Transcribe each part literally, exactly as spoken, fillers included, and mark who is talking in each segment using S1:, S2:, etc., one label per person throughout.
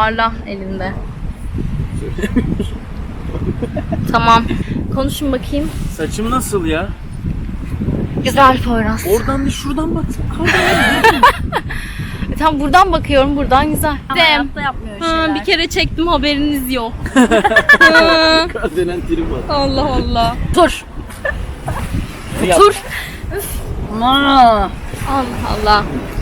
S1: toparla elinde. Tamam. Konuşun bakayım.
S2: Saçım nasıl ya?
S1: Güzel Poyraz.
S2: Oradan bir şuradan bak.
S1: E, tamam buradan bakıyorum. Buradan güzel.
S3: Ama hayatta yapmıyor şeyler.
S1: Ha, bir kere çektim haberiniz yok.
S2: Kardelen trim var.
S1: Allah Allah. Dur.
S2: Yap.
S1: Dur.
S3: Aa,
S1: Allah Allah.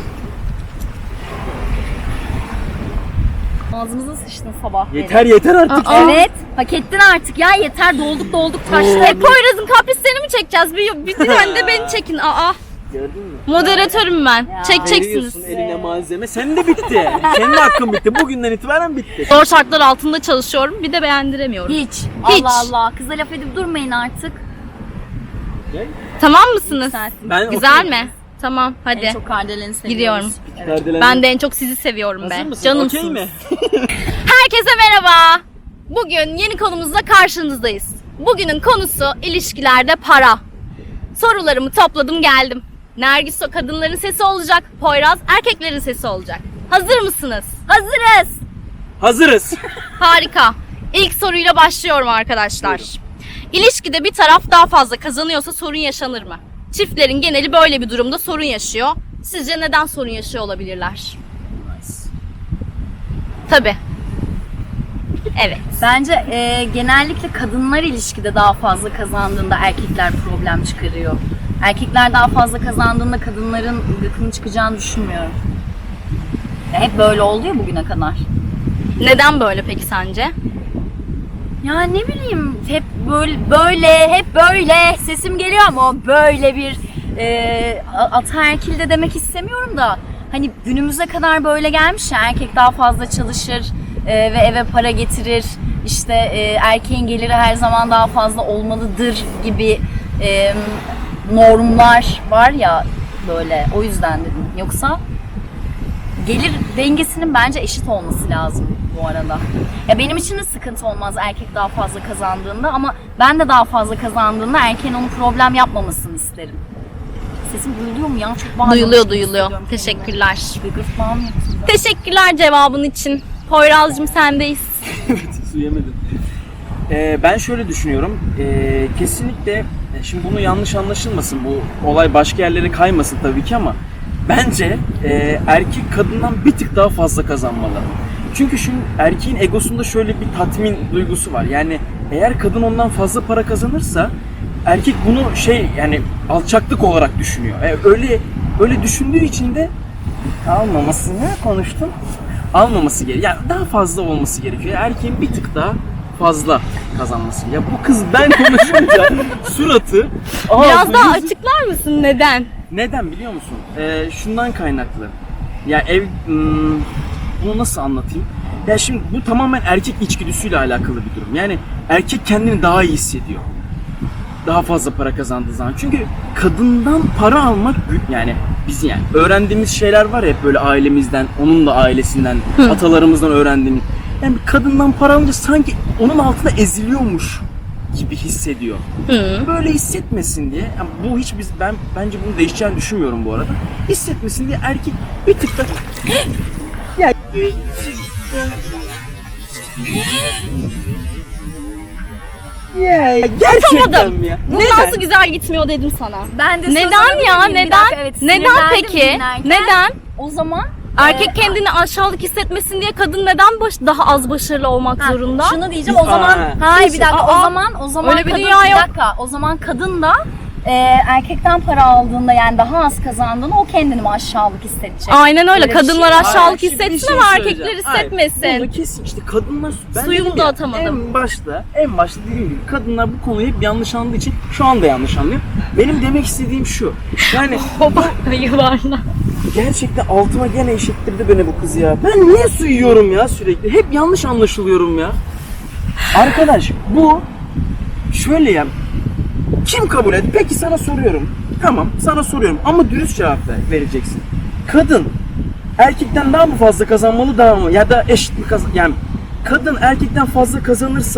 S3: ağzımıza sıçtın sabah.
S2: Yeter yeter artık.
S1: Aa.
S3: Evet. Hak ettin artık ya. Yeter, dolduk dolduk taştı.
S1: E Poyraz'ın kaprislerini mi çekeceğiz? Bir, bir tane de beni çekin. Aa.
S2: Gördün mü?
S1: Moderatörüm ben.
S3: Ya.
S1: Çekeceksiniz.
S2: Veriyorsun eline malzeme. Sen de bitti. Senin hakkın bitti. Bugünden itibaren bitti.
S1: Zor şartlar altında çalışıyorum. Bir de beğendiremiyorum.
S3: Hiç.
S1: Hiç.
S3: Allah Allah. Kıza laf edip durmayın artık.
S2: Gel.
S1: Tamam mısınız?
S3: Sensin.
S2: Ben
S1: Güzel
S2: okey.
S1: mi? Tamam hadi.
S3: En çok Kardelen'i seviyoruz.
S1: Gidiyorum.
S3: Evet.
S1: Ben de en çok sizi seviyorum
S2: Hazır
S1: be.
S2: mısın?
S1: Canımsınız.
S2: Okey mi?
S1: Herkese merhaba. Bugün yeni konumuzla karşınızdayız. Bugünün konusu ilişkilerde para. Sorularımı topladım geldim. Nergis o kadınların sesi olacak. Poyraz erkeklerin sesi olacak. Hazır mısınız?
S3: Hazırız.
S2: Hazırız.
S1: Harika. İlk soruyla başlıyorum arkadaşlar. İlişkide bir taraf daha fazla kazanıyorsa sorun yaşanır mı? Çiftlerin geneli böyle bir durumda sorun yaşıyor. Sizce neden sorun yaşıyor olabilirler? Tabii. Evet.
S3: Bence e, genellikle kadınlar ilişkide daha fazla kazandığında erkekler problem çıkarıyor. Erkekler daha fazla kazandığında kadınların gıkını çıkacağını düşünmüyorum. Ya hep böyle oldu ya bugüne kadar.
S1: Neden böyle peki sence?
S3: Ya ne bileyim, hep böyle böyle hep böyle sesim geliyor ama böyle bir e, ataerkil de demek istemiyorum da hani günümüze kadar böyle gelmiş ya, erkek daha fazla çalışır e, ve eve para getirir, işte e, erkeğin geliri her zaman daha fazla olmalıdır gibi e, normlar var ya böyle, o yüzden dedim. Yoksa gelir dengesinin bence eşit olması lazım bu arada. Ya benim için de sıkıntı olmaz erkek daha fazla kazandığında, ama ben de daha fazla kazandığında erkeğin onu problem yapmamasını isterim. Sesim duyuluyor mu ya? Çok bağırıyorum.
S1: Duyuluyor duyuluyor. Teşekkürler.
S3: Gırgırtmağım yok.
S1: Teşekkürler cevabın için. Poyraz'cığım sendeyiz.
S2: Su yemedim. Ee, ben şöyle düşünüyorum. Ee, kesinlikle şimdi bunu yanlış anlaşılmasın. Bu olay başka yerlere kaymasın tabii ki ama bence e, erkek kadından bir tık daha fazla kazanmalı. Çünkü şimdi erkeğin egosunda şöyle bir tatmin duygusu var. Yani eğer kadın ondan fazla para kazanırsa erkek bunu şey, yani alçaklık olarak düşünüyor. E, öyle öyle düşündüğü için de almamasını konuştum. Almaması gerekiyor. Yani daha fazla olması gerekiyor. Erkeğin bir tık daha fazla kazanması. Ya bu kız ben konuşunca suratı
S1: Biraz
S2: ağzı,
S1: daha
S2: yüzü-
S1: açıklar mısın neden?
S2: Neden biliyor musun? Ee, şundan kaynaklı. Ya ev hmm, bunu nasıl anlatayım? Ya şimdi bu tamamen erkek içgüdüsüyle alakalı bir durum. Yani erkek kendini daha iyi hissediyor. Daha fazla para kazandığı zaman. Çünkü kadından para almak, yani biz yani öğrendiğimiz şeyler var ya hep böyle ailemizden, onun da ailesinden, atalarımızdan öğrendiğimiz. Yani bir kadından para alınca sanki onun altında eziliyormuş gibi hissediyor.
S1: Hı.
S2: Böyle hissetmesin diye, yani bu hiç biz ben bence bunu değişeceğini düşünmüyorum bu arada. Hissetmesin diye erkek bir tık da ya ya gerçekten
S1: Yapamadım.
S2: mi ya?
S1: Bu
S2: Neden?
S1: nasıl güzel gitmiyor dedim sana.
S3: Ben de
S1: Neden
S3: söz
S1: ya?
S3: alabilir miyim? Bir
S1: Neden?
S3: dakika, evet,
S1: Neden
S3: sinirlendim
S1: peki?
S3: dinlerken.
S1: Neden?
S3: O zaman
S1: Erkek
S3: e,
S1: kendini aşağılık hissetmesin diye kadın neden baş, daha az başarılı olmak
S3: Ha,
S1: zorunda?
S3: Şunu diyeceğim o zaman.
S2: Aa.
S3: Hayır bir dakika,
S1: Aa,
S3: o zaman o zaman
S1: öyle bir
S3: kadın,
S1: dünya
S3: bir
S1: yok.
S3: dakika. O zaman kadın da e, erkekten para aldığında, yani daha az kazandığında o kendini mi aşağılık hissedecek?
S1: Aynen öyle.
S3: Öyle bir
S1: Kadınlar
S3: şey.
S1: aşağılık
S2: Hayır, şimdi bir
S1: hissetsin
S2: şey
S1: ama
S2: söyleyeceğim.
S1: erkekler
S2: Hayır,
S1: hissetmesin.
S2: bunu kesin işte kadınlar, ben
S1: Suyumu
S2: dedim
S1: da
S2: ya,
S1: atamadım.
S2: En başta, en başta dediğim gibi kadınlar bu konuyu hep yanlış anladığı için şu anda yanlış anlıyor. Benim demek istediğim şu. Yani
S1: Yuvarla.
S2: gerçekten altıma gene eşittirdi beni bu kız ya. Ben niye su yiyorum ya sürekli? Hep yanlış anlaşılıyorum ya. Arkadaş bu şöyle ya. Kim kabul et? Peki sana soruyorum. Tamam sana soruyorum ama dürüst cevap ver, vereceksin. Kadın erkekten daha mı fazla kazanmalı, daha mı? Ya da eşit mi kazan? Yani kadın erkekten fazla kazanırsa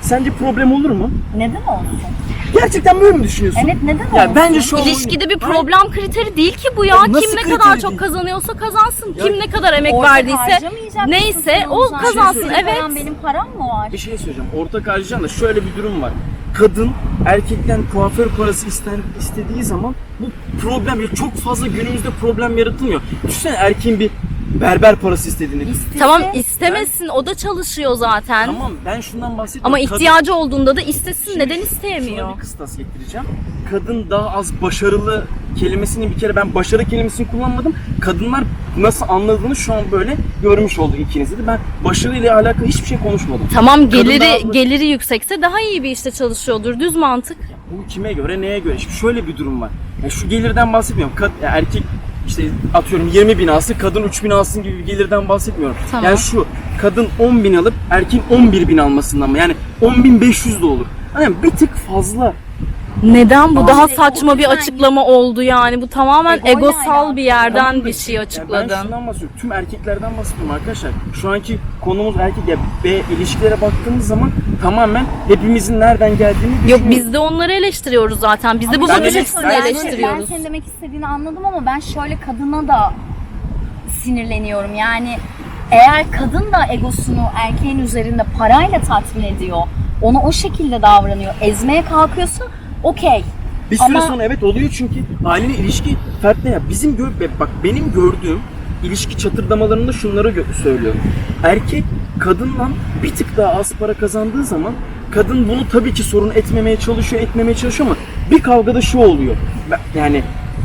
S2: Sence problem olur mu?
S3: Neden olsun?
S2: Gerçekten böyle mi düşünüyorsun?
S3: Evet, neden
S2: Ya
S3: olsun?
S2: bence şu an
S1: İlişkide bir
S2: Hayır.
S1: problem kriteri değil ki bu ya.
S2: Ya nasıl
S1: Kim ne
S2: kriteri
S1: kadar
S2: değil?
S1: çok kazanıyorsa kazansın.
S2: Ya
S1: Kim ne kadar emek
S3: Ortak
S1: verdiyse
S3: harcamayacak
S1: neyse
S3: mısın
S1: o
S3: sen?
S1: kazansın.
S2: Şey
S3: Senin
S1: Evet.
S3: param, benim param mı var?
S2: Bir şey söyleyeceğim. Ortak harcayan da şöyle bir durum var. Kadın erkekten kuaför parası isten, istediği zaman bu problem ya çok fazla günümüzde problem yaratılmıyor. Düşünsene erkeğin bir berber parası istediğini.
S3: İstese-
S1: Tamam istemesin o da çalışıyor zaten.
S2: Tamam ben şundan bahsediyorum.
S1: Ama
S2: Kadın-
S1: ihtiyacı olduğunda da istesin.
S2: Şimdi
S1: Neden
S2: Şuna
S1: isteyemiyor?
S2: bir kıstas getireceğim. Kadın daha az başarılı kelimesini bir kere ben başarı kelimesini kullanmadım. Kadınlar nasıl anladığını şu an böyle görmüş oldu ikiniz de. Ben başarıyla alakalı hiçbir şey konuşmadım.
S1: Tamam
S2: Kadın daha
S1: geliri
S2: az-
S1: geliri yüksekse daha iyi bir işte çalışıyordur. Düz mantık.
S2: Bu kime göre neye göre? Şimdi şöyle bir durum var. Yani şu gelirden bahsetmiyorum. Kad, ya erkek işte atıyorum yirmi bin alsın, kadın üç bin alsın gibi bir gelirden bahsetmiyorum.
S1: Tamam.
S2: Yani şu kadın on bin alıp erkeğin on bir bin almasından mı? Yani on bin beş yüz de olur. Yani bir tık fazla.
S1: Neden bu
S3: Ama
S1: daha
S3: işte
S1: saçma
S3: o
S1: bir
S3: yüzden-
S1: açıklama oldu yani. Bu tamamen
S3: Egoyla
S1: egosal
S3: alakalı.
S1: bir yerden
S2: Tamam da
S1: bir
S2: işte,
S1: şey
S2: ya ben
S1: açıkladın.
S2: şundan bahsediyorum. Tüm erkeklerden bahsediyorum arkadaşlar. Şu anki konumuz erkek ya ve ilişkilere baktığımız zaman tamamen hepimizin nereden geldiğini
S1: Yok
S2: düşünüyoruz.
S1: biz de onları eleştiriyoruz zaten. Biz de bu
S3: Ama
S2: ben
S1: bakış
S2: de-
S1: açısını
S2: ben-
S1: eleştiriyoruz.
S3: Ben senin demek istediğini anladım ama ben şöyle kadına da sinirleniyorum. Yani eğer kadın da egosunu erkeğin üzerinde parayla tatmin ediyor, ona o şekilde davranıyor, ezmeye kalkıyorsa okey.
S2: Bir süre
S3: Ama-
S2: sonra evet oluyor çünkü ailenin ilişki fertle ya. Bizim gör bak benim gördüğüm ilişki çatırdamalarında şunları gö- söylüyorum. Erkek kadından bir tık daha az para kazandığı zaman kadın bunu tabii ki sorun etmemeye çalışıyor, etmemeye çalışıyor ama bir kavgada şu oluyor. Ben- Yani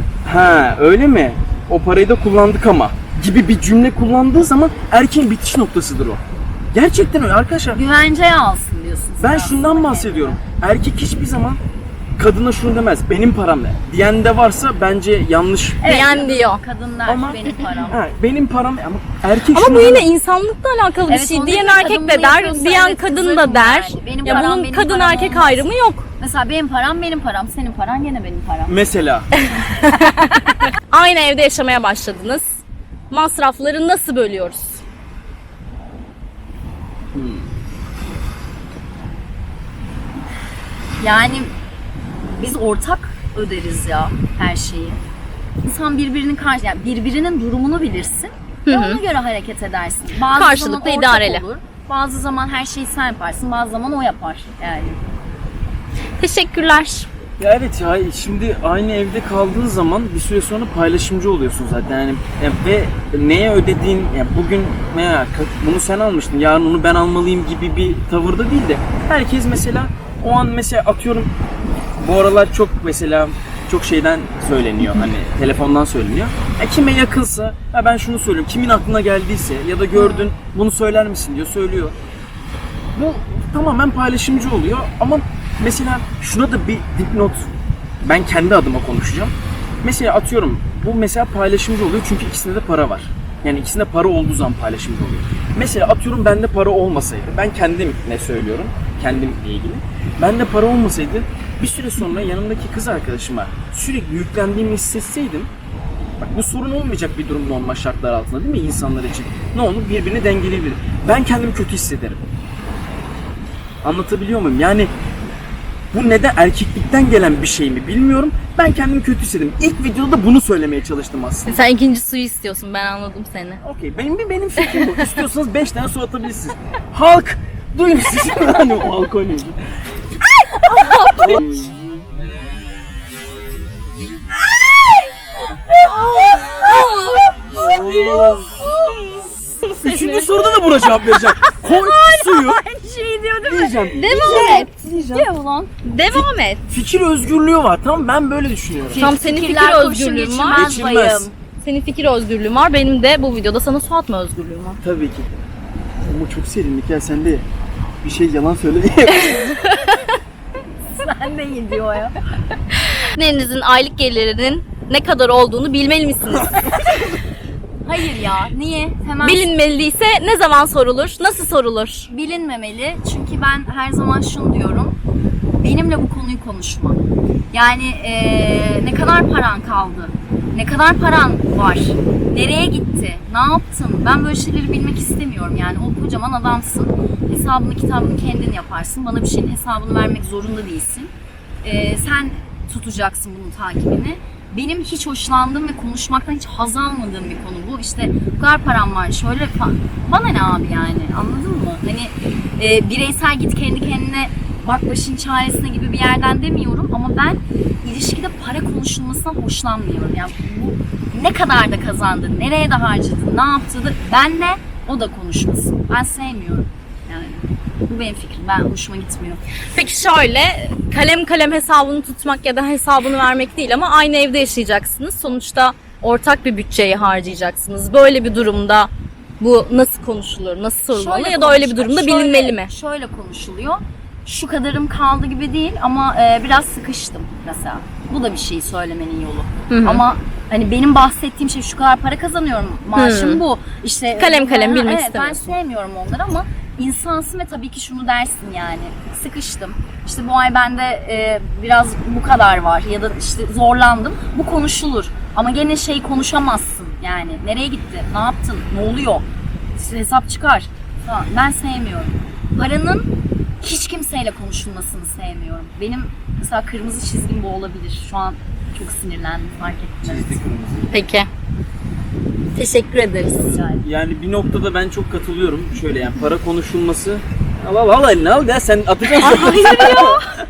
S2: ha öyle mi? O parayı da kullandık ama gibi bir cümle kullandığı zaman erkeğin bitiş noktasıdır o. Gerçekten öyle arkadaşlar.
S3: Güvenceye alsın diyorsun. sen
S2: Ben
S3: aslında
S2: şundan
S3: kendine.
S2: bahsediyorum. Erkek hiçbir zaman kadına şunu demez. Benim param ne? Diyen de varsa bence yanlış.
S3: Evet,
S1: Diyen diyor.
S3: Kadın der
S2: Ama-
S3: benim param.
S2: Ha, benim param ama erkek
S1: Ama
S2: şunu
S1: bu yine
S2: demez.
S1: insanlıkla alakalı bir
S3: Evet,
S1: şey.
S3: onu
S1: Diyen
S3: dedim,
S1: erkek
S3: kadın
S1: de
S3: bunu
S1: der,
S3: yapıyorsa
S1: diyen
S3: evet,
S1: kadın
S3: kızarım
S1: da der.
S3: yani. Benim
S1: Ya
S3: param,
S1: bunun
S3: benim
S1: kadın
S3: param
S1: erkek
S3: olmaz.
S1: ayrımı yok.
S3: Mesela benim param benim param, senin paran gene benim param.
S2: Mesela
S1: Aynı evde yaşamaya başladınız. Masrafları nasıl bölüyoruz?
S3: Yani biz ortak öderiz ya her şeyi. İnsan birbirinin karşı, yani birbirinin durumunu bilirsin ve ona göre hareket edersin. Bazı
S1: Karşılıklı,
S3: zaman ortak
S1: idareli.
S3: olur. Bazı zaman her şeyi sen yaparsın, bazı zaman o yapar yani.
S1: Teşekkürler.
S2: ya evet ya şimdi aynı evde kaldığın zaman bir süre sonra paylaşımcı oluyorsun zaten yani e, ve neye ödediğin ya bugün ne bunu sen almıştın yarın onu ben almalıyım gibi bir tavırda değil de herkes mesela o an mesela atıyorum bu aralar çok mesela çok şeyden söyleniyor hani telefondan söyleniyor. Ya kime yakınsa ya ben şunu söylüyorum kimin aklına geldiyse ya da gördün bunu söyler misin diyor söylüyor. Bu tamamen paylaşımcı oluyor ama mesela şuna da bir dipnot ben kendi adıma konuşacağım. Mesela atıyorum bu mesela paylaşımcı oluyor çünkü ikisinde de para var. Yani ikisinde para olduğu zaman paylaşımcı oluyor. Mesela atıyorum bende para olmasaydı ben kendim ne söylüyorum kendimle ilgili. Bende para olmasaydı bir süre sonra yanımdaki kız arkadaşıma sürekli yüklendiğimi hissetseydim bak bu sorun olmayacak bir durum normal şartlar altında değil mi insanlar için? Ne olur birbirini dengeleyebilir. Ben kendimi kötü hissederim. Anlatabiliyor muyum? Yani bu neden erkeklikten gelen bir şey mi bilmiyorum. Ben kendimi kötü hissettim. İlk videoda bunu söylemeye çalıştım aslında.
S1: Sen ikinci suyu istiyorsun. Ben anladım seni.
S2: Okey benim bir benim fikrim bu. İstiyorsanız beş tane su atabilirsiniz. Halk duyun siz. Hani o halk oynuyor. Üçüncü soruda da buna cevap vereceğim. Koy suyu.
S3: Şey diyor değil mi?
S2: Diyeceğim.
S1: Devam et.
S3: Diyor ulan.
S1: Devam et.
S2: Fikir özgürlüğü var. Tamam ben böyle düşünüyorum.
S1: Tam senin fikir
S3: Fikirler kurşun
S1: özgürlüğün var.
S3: geçirmez
S2: Geçirmez.
S3: bayım.
S1: Senin fikir özgürlüğün var. Benim de bu videoda sana su atma özgürlüğüm var.
S2: Tabii ki. Ama çok serinlik ya sen de bir şey yalan söyle
S3: Sen de iyi diyor ya.
S1: Partnerinizin aylık gelirinin ne kadar olduğunu bilmeli misiniz?
S3: Hayır ya, niye? Hemen
S1: Bilinmeliyse ne zaman sorulur? Nasıl sorulur?
S3: bilinmemeli. Çünkü ben her zaman şunu diyorum. Benimle bu konuyu konuşma. Yani eee, ne kadar paran kaldı? Ne kadar paran var? Nereye gitti? Ne yaptın? Ben böyle şeyleri bilmek istemiyorum. Yani o kocaman adamsın. Hesabını kitabını kendin yaparsın. Bana bir şeyin hesabını vermek zorunda değilsin. Ee, sen tutacaksın bunun takibini. Benim hiç hoşlandığım ve konuşmaktan hiç haz almadığım bir konu bu. İşte bu kadar param var, şöyle falan. Bana ne abi yani, anladın mı? Hani e, bireysel git kendi kendine bak başın çaresine gibi bir yerden demiyorum. Ama ben ilişkide para konuşulmasından hoşlanmıyorum. Yani bu ne kadar da kazandı, nereye de harcadı, ne yaptı da benle o da konuşmasın. Ben sevmiyorum yani. Bu benim fikrim. Ben hoşuma gitmiyor.
S1: Peki şöyle, kalem kalem hesabını tutmak ya da hesabını vermek değil ama aynı evde yaşayacaksınız. Sonuçta ortak bir bütçeyi harcayacaksınız. Böyle bir durumda bu nasıl konuşulur, nasıl sorulmalı
S3: Şöyle
S1: ya da öyle bir
S3: konuş-
S1: durumda
S3: şöyle-
S1: bilinmeli mi?
S3: Şöyle konuşuluyor. Şu kadarım kaldı gibi değil ama e, biraz sıkıştım mesela. Bu da bir şey söylemenin yolu.
S1: Hı hı.
S3: Ama hani benim bahsettiğim şey şu kadar para kazanıyorum. Maaşım
S1: Hı.
S3: bu. İşte
S1: Kalem kalem
S3: Ha,
S1: bilmek
S3: evet,
S1: istemiyorsun.
S3: Ben sevmiyorum onları ama insansın ve tabii ki şunu dersin yani. Sıkıştım. İşte bu ay bende e, biraz bu kadar var ya da işte zorlandım. Bu konuşulur. Ama gene şey konuşamazsın yani. Nereye gitti? Ne yaptın? Ne oluyor? İşte hesap çıkar. Falan. Ben sevmiyorum. Paranın hiç kimseyle konuşulmasını sevmiyorum. Benim mesela kırmızı çizgim bu olabilir. Şu an çok sinirlendim, fark ettim. Evet.
S1: Peki. Teşekkür ederiz.
S3: Rica ederim.
S2: Yani bir noktada ben çok katılıyorum. Şöyle yani para konuşulması... Al al al eline al ya sen atacaksın.
S1: Hayır ya.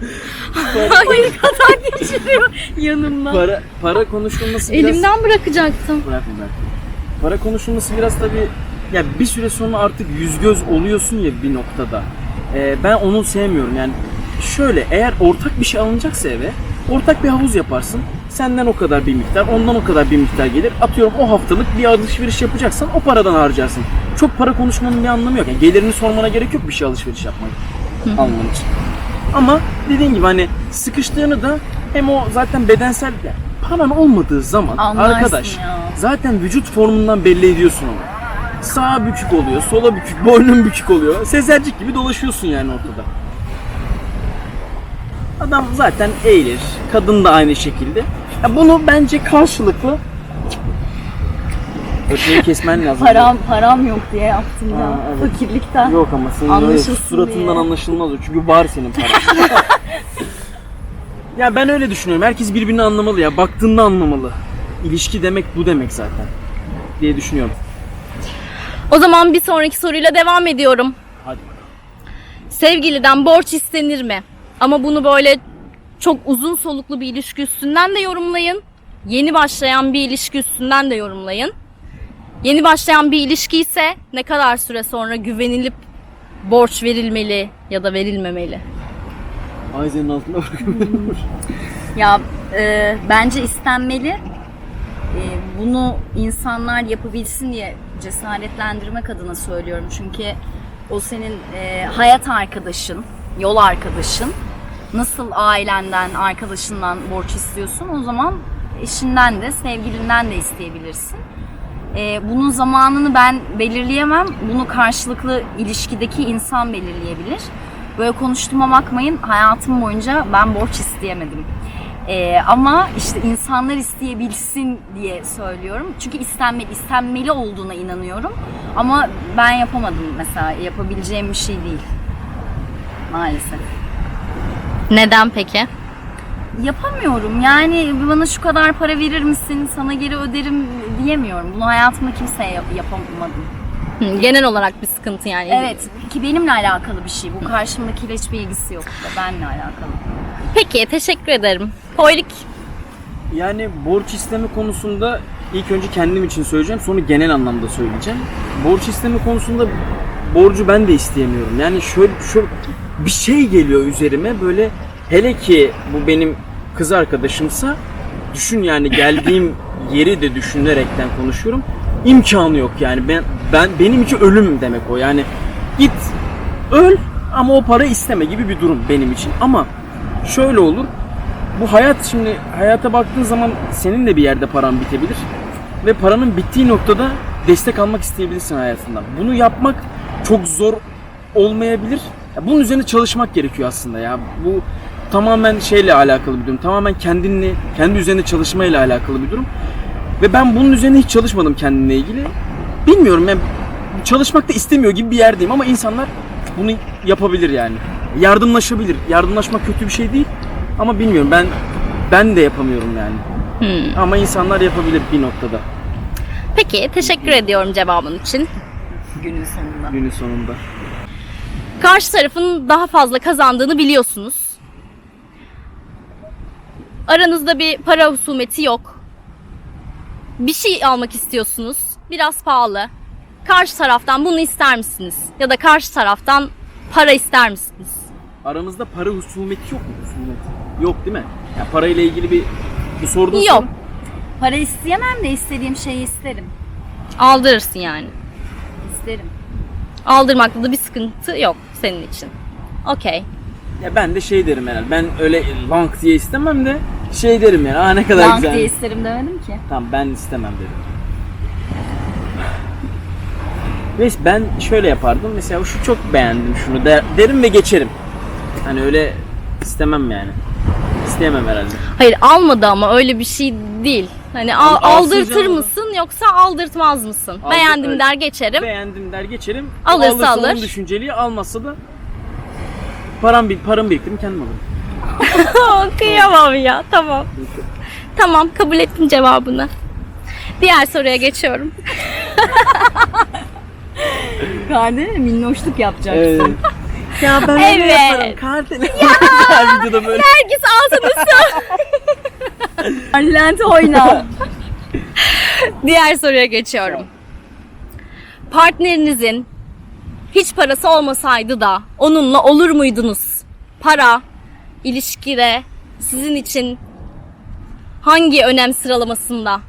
S3: Hayır, katar geçiriyor yanımdan.
S2: para, para konuşulması biraz...
S1: Elimden bırakacaktım.
S2: Bırakma bırak. Para konuşulması biraz tabii... Ya bir süre sonra artık yüz göz oluyorsun ya bir noktada. Ee, ben onu sevmiyorum yani. Şöyle eğer ortak bir şey alınacaksa eve... Ortak bir havuz yaparsın. Senden o kadar bir miktar, ondan o kadar bir miktar gelir. Atıyorum o haftalık bir alışveriş yapacaksan o paradan harcarsın. Çok para konuşmanın bir anlamı yok. Yani gelirini sormana gerek yok bir şey alışveriş yapmak, alman için. Ama dediğin gibi hani sıkıştığını da hem o zaten bedensel yani paran olmadığı zaman
S3: Anlarsın
S2: arkadaş
S3: ya.
S2: zaten vücut formundan belli ediyorsun onu. Sağa bükük oluyor, sola bükük, boynun bükük oluyor. Sezercik gibi dolaşıyorsun yani ortada. Adam zaten eğilir. Kadın da aynı şekilde. Ya bunu bence karşılıklı öteyi kesmen lazım.
S3: Param, param yok diye yaptım ya.
S2: Ha, evet.
S3: Fakirlikten.
S2: Yok ama senin öyle
S3: Anlaşılsın
S2: suratından
S3: diye.
S2: anlaşılmaz o. Çünkü var senin paran. Ya ben öyle düşünüyorum. Herkes birbirini anlamalı ya. Baktığında anlamalı. İlişki demek bu demek zaten. Diye düşünüyorum.
S1: O zaman bir sonraki soruyla devam ediyorum.
S2: Hadi.
S1: Sevgiliden borç istenir mi? Ama bunu böyle çok uzun soluklu bir ilişki üstünden de yorumlayın. Yeni başlayan bir ilişki üstünden de yorumlayın. Yeni başlayan bir ilişki ise ne kadar süre sonra güvenilip borç verilmeli ya da verilmemeli?
S2: Ayzen'in altında bırakıyorum.
S3: Ya e, bence istenmeli. E, bunu insanlar yapabilsin diye cesaretlendirmek adına söylüyorum. Çünkü o senin e, hayat arkadaşın, yol arkadaşın. Nasıl ailenden, arkadaşından borç istiyorsun, o zaman eşinden de, sevgilinden de isteyebilirsin. E, bunun zamanını ben belirleyemem. Bunu karşılıklı ilişkideki insan belirleyebilir. Böyle konuştuğuma bakmayın, hayatım boyunca ben borç isteyemedim. Ee, ama işte insanlar isteyebilsin diye söylüyorum. Çünkü istenmeli, istenmeli olduğuna inanıyorum. Ama ben yapamadım mesela, yapabileceğim bir şey değil. Maalesef.
S1: Neden peki?
S3: Yapamıyorum yani, bana şu kadar para verir misin, sana geri öderim diyemiyorum. Bunu hayatımda kimseye yap- yapamadım.
S1: Hı, genel olarak bir sıkıntı yani.
S3: Evet, ki benimle alakalı bir şey. Bu karşımdakiyle hiçbir ilgisi yok. Benimle alakalı.
S1: Peki, teşekkür ederim. Koylik.
S2: Yani borç isteme konusunda ilk önce kendim için söyleyeceğim, sonra genel anlamda söyleyeceğim. Borç isteme konusunda borcu ben de isteyemiyorum. Yani şöyle, şöyle bir şey geliyor üzerime böyle, hele ki bu benim kız arkadaşımsa, düşün yani geldiğim yeri de düşünerekten konuşuyorum. İmkanı yok yani, ben ben benim için ölüm demek o. Yani git öl ama o para isteme gibi bir durum benim için. Ama şöyle olur. Bu hayat, şimdi hayata baktığın zaman senin de bir yerde paran bitebilir. Ve paranın bittiği noktada destek almak isteyebilirsin hayatından. Bunu yapmak çok zor olmayabilir. Ya bunun üzerine çalışmak gerekiyor aslında ya. Bu tamamen şeyle alakalı bir durum. Tamamen kendinle, kendi üzerine çalışmayla alakalı bir durum. Ve ben bunun üzerine hiç çalışmadım kendimle ilgili. Bilmiyorum, ben çalışmak da istemiyor gibi bir yerdeyim ama insanlar bunu yapabilir yani. Yardımlaşabilir. Yardımlaşmak kötü bir şey değil ama bilmiyorum, ben ben de yapamıyorum yani.
S1: Hmm.
S2: Ama insanlar yapabilir bir noktada.
S1: Peki, teşekkür ediyorum cevabın için.
S3: Günün sonunda.
S2: Günün sonunda.
S1: Karşı tarafın daha fazla kazandığını biliyorsunuz. Aranızda bir para husumeti yok. Bir şey almak istiyorsunuz. Biraz pahalı. Karşı taraftan bunu ister misiniz? Ya da karşı taraftan para ister misiniz?
S2: Aramızda para husumeti yok mu? Husumet. Yok değil mi? Ya parayla ilgili bir bu sorduğun
S1: Yok.
S2: soru-
S3: Para isteyemem de istediğim şeyi isterim.
S1: Aldırırsın yani.
S3: İsterim.
S1: Aldırmakta da bir sıkıntı yok senin için. Okey.
S2: Ya ben de şey derim herhalde. Ben öyle long diye istemem de şey derim yani. Aa ne kadar
S3: Bank
S2: güzel.
S3: diye isterim demedim ki.
S2: Tamam, ben istemem dedim. Ve ben şöyle yapardım. Mesela şu çok beğendim şunu der, derim ve geçerim. Hani öyle istemem yani. İsteyemem herhalde.
S1: Hayır, almadı ama öyle bir şey değil. Hani al-
S2: Al- alsın
S1: aldırtır
S2: canım.
S1: mısın yoksa aldırtmaz mısın?
S2: Aldır-
S1: Beğendim
S2: öyle.
S1: der geçerim.
S2: Beğendim der geçerim.
S1: Alırsa
S2: Alırsa
S1: alır.
S2: onun düşünceli, almazsa da param bir param biriktirim kendim alırım.
S1: Kıyamam ya, tamam. Tamam, kabul ettim cevabını. Diğer soruya geçiyorum.
S3: Kardeşim minnoşluk yapacaksın.
S2: Ya ben
S1: Evet.
S2: Kardelen. Her videoda böyle.
S1: Nergis altını
S3: Lente oyna.
S1: Diğer soruya geçiyorum. Partnerinizin hiç parası olmasaydı da onunla olur muydunuz? Para, ilişkide sizin için hangi önem sıralamasında?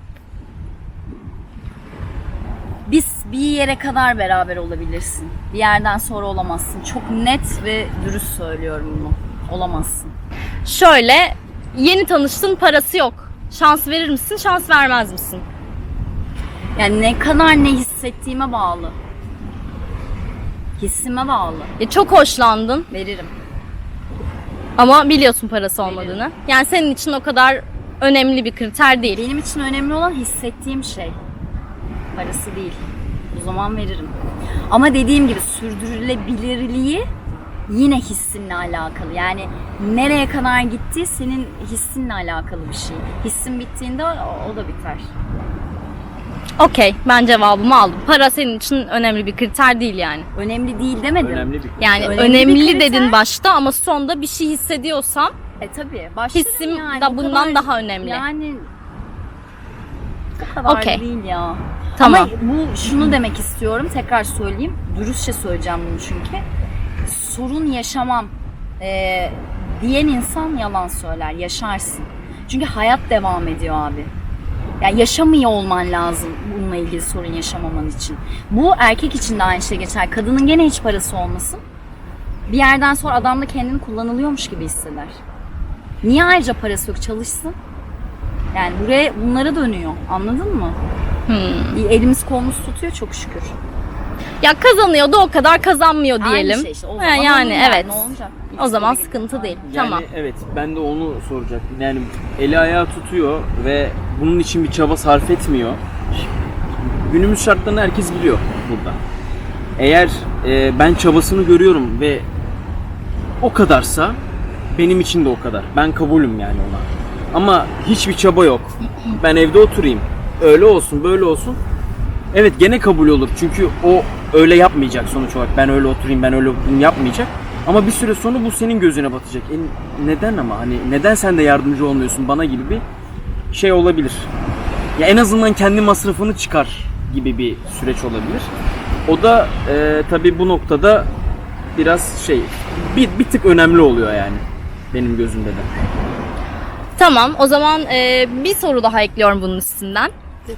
S3: Biz bir yere kadar beraber olabilirsin. Bir yerden sonra olamazsın. Çok net ve dürüst söylüyorum bunu. Olamazsın.
S1: Şöyle, yeni tanıştın, parası yok. Şans verir misin, şans vermez misin?
S3: Yani ne kadar ne hissettiğime bağlı. Hissime bağlı.
S1: Ya çok hoşlandın
S3: Veririm.
S1: ama biliyorsun parası olmadığını. Yani senin için o kadar önemli bir kriter değil.
S3: Benim için önemli olan hissettiğim şey. Parası değil. O zaman veririm. Ama dediğim gibi sürdürülebilirliği yine hissinle alakalı. Yani nereye kadar gitti senin hissinle alakalı bir şey. Hissin bittiğinde o, o da biter.
S1: Okey, ben cevabımı aldım. Para senin için önemli bir kriter değil yani.
S3: Önemli değil demedim.
S2: Önemli bir.
S1: Yani
S3: Önemli
S1: önemli,
S3: bir kriter.
S1: dedin başta ama sonda bir şey hissediyorsam
S3: E tabii. Başlarım
S1: Hissim
S3: yani.
S1: da
S3: O
S1: bundan
S3: kadar-
S1: daha önemli.
S3: Yani o kadar
S1: Okey.
S3: değil ya.
S1: Tamam.
S3: Ama bu şunu demek istiyorum. Tekrar söyleyeyim. Dürüstçe söyleyeceğim bunu çünkü. Sorun yaşamam e, diyen insan yalan söyler. Yaşarsın. Çünkü hayat devam ediyor abi. Yani yaşamıyor olman lazım bununla ilgili sorun yaşamaman için. Bu erkek için de aynı şey geçer. Kadının gene hiç parası olmasın. Bir yerden sonra adam da kendini kullanılıyormuş gibi hisseder. Niye ayrıca parası yok? Çalışsın. Yani buraya bunlara dönüyor. Anladın mı?
S1: Hmm.
S3: Elimiz kolumuz tutuyor çok şükür.
S1: Ya kazanıyor da o kadar kazanmıyor diyelim.
S3: Aynı şey işte. O
S1: Ha,
S3: zaman
S1: yani
S3: olur
S1: evet.
S3: Ne olacak?
S1: O zaman
S3: İlişkiye
S1: sıkıntı
S3: gidip-
S1: değil.
S2: Yani
S1: Tamam.
S2: evet, ben de onu soracaktım. Yani eli ayağı tutuyor ve bunun için bir çaba sarf etmiyor. Günümüz şartlarını herkes biliyor burada. Eğer e, ben çabasını görüyorum ve o kadarsa benim için de o kadar. Ben kabulüm yani ona. Ama hiçbir çaba yok. Ben evde oturayım. Öyle olsun, böyle olsun. Evet, gene kabul olur. Çünkü o öyle yapmayacak sonuç olarak. Ben öyle oturayım, ben öyle oturayım yapmayacak. Ama bir süre sonra bu senin gözüne batacak. E neden ama? Hani neden sen de yardımcı olmuyorsun bana gibi bir şey olabilir. Ya en azından kendi masrafını çıkar gibi bir süreç olabilir. O da e, tabii bu noktada biraz şey bir, bir tık önemli oluyor yani benim gözümde de.
S1: Tamam, o zaman e, bir soru daha ekliyorum bunun üstünden.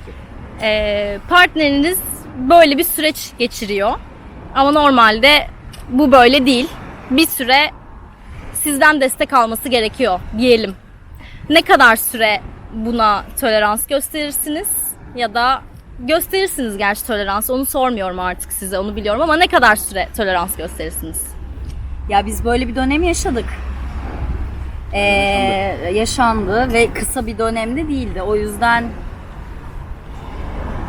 S1: E, partneriniz böyle bir süreç geçiriyor. Ama normalde bu böyle değil. Bir süre sizden destek alması gerekiyor diyelim. Ne kadar süre buna tolerans gösterirsiniz? Ya da gösterirsiniz gerçi tolerans. Onu sormuyorum artık size, onu biliyorum ama ne kadar süre tolerans gösterirsiniz?
S3: Ya biz böyle bir dönem yaşadık. Ee, yaşandı ve kısa bir dönemde değildi. O yüzden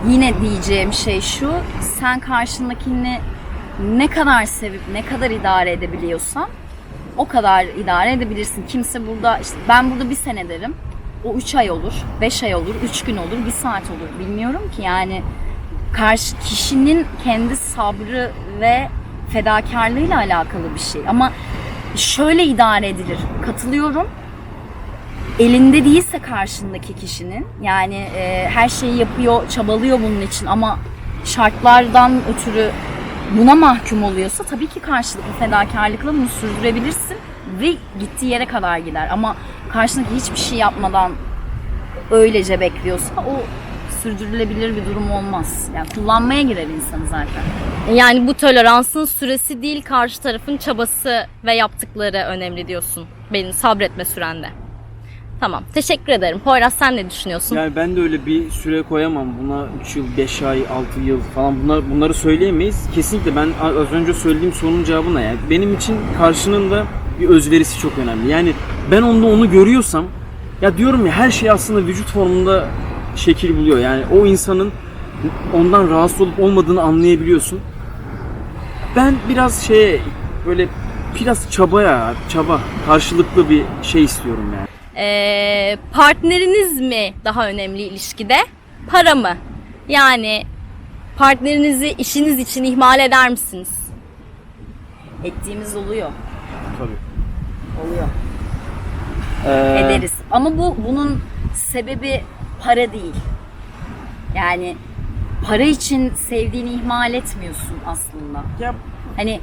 S3: yine diyeceğim şey şu, sen karşındakini ne kadar sevip ne kadar idare edebiliyorsan o kadar idare edebilirsin. Kimse burada, işte ben burada bir sene derim, o üç ay olur, beş ay olur, üç gün olur, bir saat olur, bilmiyorum ki yani. Karşı kişinin kendi sabrı ve fedakarlığıyla alakalı bir şey. Ama şöyle idare edilir, katılıyorum. Elinde değilse karşındaki kişinin, yani e, her şeyi yapıyor, çabalıyor bunun için ama şartlardan ötürü buna mahkum oluyorsa tabii ki karşılıklı fedakarlıkla bunu sürdürebilirsin ve gittiği yere kadar gider. Ama karşındaki hiçbir şey yapmadan öylece bekliyorsa o sürdürülebilir bir durum olmaz. Yani kullanmaya girer insanı zaten.
S1: Yani bu toleransın süresi değil, karşı tarafın çabası ve yaptıkları önemli diyorsun. Benim sabretme sürende. Tamam. Teşekkür ederim. Poyraz, sen ne düşünüyorsun?
S2: Yani ben de öyle bir süre koyamam. Buna üç yıl, beş ay, altı yıl falan bunlar, bunları söyleyemeyiz. Kesinlikle ben az önce söylediğim sorunun cevabı ne? Yani benim için karşının da bir özverisi çok önemli. Yani ben onda onu görüyorsam, ya diyorum ya, her şey aslında vücut formunda şekil buluyor. Yani o insanın ondan rahatsız olup olmadığını anlayabiliyorsun. Ben biraz şeye böyle biraz çabaya, çaba, karşılıklı bir şey istiyorum yani.
S1: Ee, partneriniz mi daha önemli ilişkide? Para mı? Yani partnerinizi işiniz için ihmal eder misiniz?
S3: Ettiğimiz oluyor.
S2: Tabii.
S3: Oluyor.
S2: Ee,
S3: Ederiz. Ama bu bunun sebebi para değil. Yani para için sevdiğini ihmal etmiyorsun aslında.
S2: Ya,
S3: Hani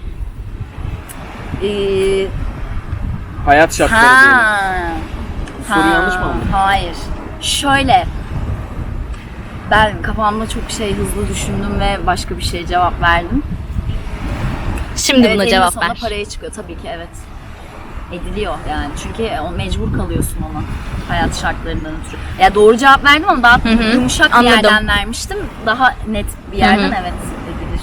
S3: eee
S2: hayat şartları diyelim.
S3: ha,
S2: Bu soru yanlış mı anladın?
S3: Hayır. Şöyle, ben kafamda çok şey hızlı düşündüm ve başka bir şeye cevap verdim.
S1: Şimdi
S3: Evet,
S1: buna
S3: eninde
S1: cevap
S3: sonunda
S1: ver.
S3: paraya çıkıyor tabii ki, evet. Ediliyor yani. Çünkü o mecbur kalıyorsun ona. Hayat şartlarından ötürü. Ya doğru cevap verdim ama daha
S1: hı.
S3: yumuşak bir
S1: Anladım.
S3: yerden vermiştim. Daha net bir yerden
S1: Hı hı.
S3: evet edilir.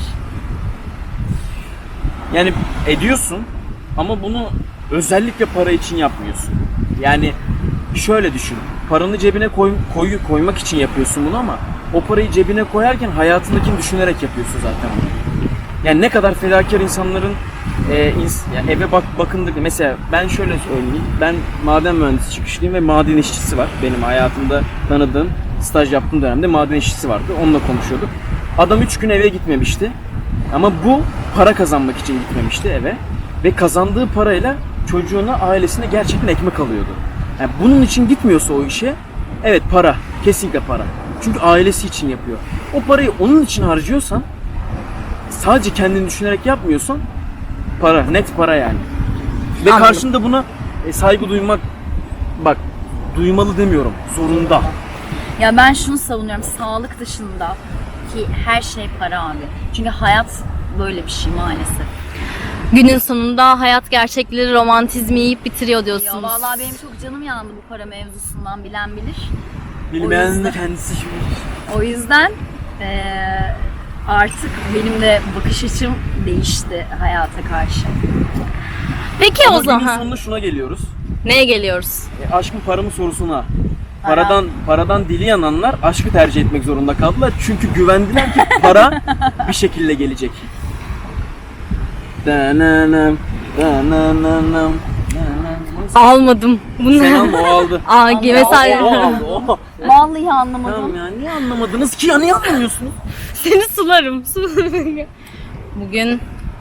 S2: Yani ediyorsun ama bunu özellikle para için yapmıyorsun. Yani şöyle düşün. Paranı cebine koy, koy, koymak için yapıyorsun bunu ama o parayı cebine koyarken hayatındakini düşünerek yapıyorsun zaten bunu. Yani ne kadar fedakar insanların e, ins, yani eve bak bakındık. Mesela ben şöyle söyleyeyim. Ben maden mühendisi çıkışlıyım ve maden işçisi var. Benim hayatımda tanıdığım, staj yaptığım dönemde maden işçisi vardı. Onunla konuşuyorduk. Adam üç gün eve gitmemişti. Ama bu para kazanmak için gitmemişti eve. Ve kazandığı parayla çocuğuna, ailesine gerçekten ekmek alıyordu. Yani bunun için gitmiyorsa o işe, evet para, kesinlikle para. Çünkü ailesi için yapıyor. O parayı onun için harcıyorsan, sadece kendini düşünerek yapmıyorsan, para, net para yani. Ve
S1: Anladım.
S2: karşında buna e, saygı duymak, bak duymalı demiyorum, zorunda.
S3: Ya ben şunu savunuyorum, sağlık dışında ki her şey para abi. Çünkü hayat böyle bir şey maalesef.
S1: Günün sonunda hayat gerçekleri, romantizmi yiyip bitiriyor
S3: Ya
S1: diyorsunuz.
S3: vallahi benim çok canım yandı bu para mevzusundan, bilen bilir.
S2: Bilmeyen de
S3: yüzden-
S2: kendisi bilir.
S3: O yüzden eee, artık benim de bakış açım değişti hayata karşı.
S1: Peki
S2: Ama
S1: o
S2: günün
S1: zaman
S2: sonunda şuna geliyoruz.
S1: neye geliyoruz?
S2: E, aşkın para mı sorusuna.
S3: Para.
S2: Paradan paradan dili yananlar aşkı tercih etmek zorunda kaldılar. Çünkü güvendiler ki para bir şekilde gelecek. Dananam, dananam, dananam.
S1: Almadım. Bunu
S2: Sen alma, o aldı.
S1: Aa,
S3: Ama
S1: mesela
S2: O aldı, o.
S3: Vallahi anlamadım.
S2: Tamam ya, niye anlamadınız ki ya, niye anlamıyorsunuz?
S1: seni sularım. Bugün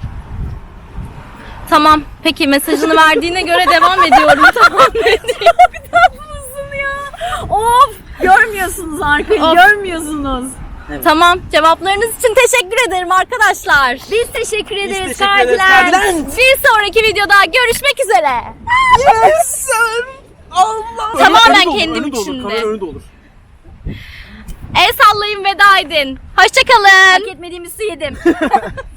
S1: tamam. Peki mesajını verdiğine göre devam ediyorum. Tamam.
S3: Tatlısın ya. Of! Görmüyorsunuz arkayı,
S1: Of.
S3: görmüyorsunuz.
S1: Tamam. Cevaplarınız için teşekkür ederim arkadaşlar.
S3: Biz teşekkür ederiz
S2: teşekkür ederiz,
S3: Kardelen.
S2: Kardelen.
S1: Bir sonraki videoda görüşmek üzere.
S2: Yes! Allah!
S1: Tamamen
S2: Önü de olur,
S1: kendim
S2: önü de olur,
S1: içinde.
S2: kamera önü de olur.
S1: El sallayın, veda edin. Hoşçakalın.
S3: Hak etmediğimizi yedim.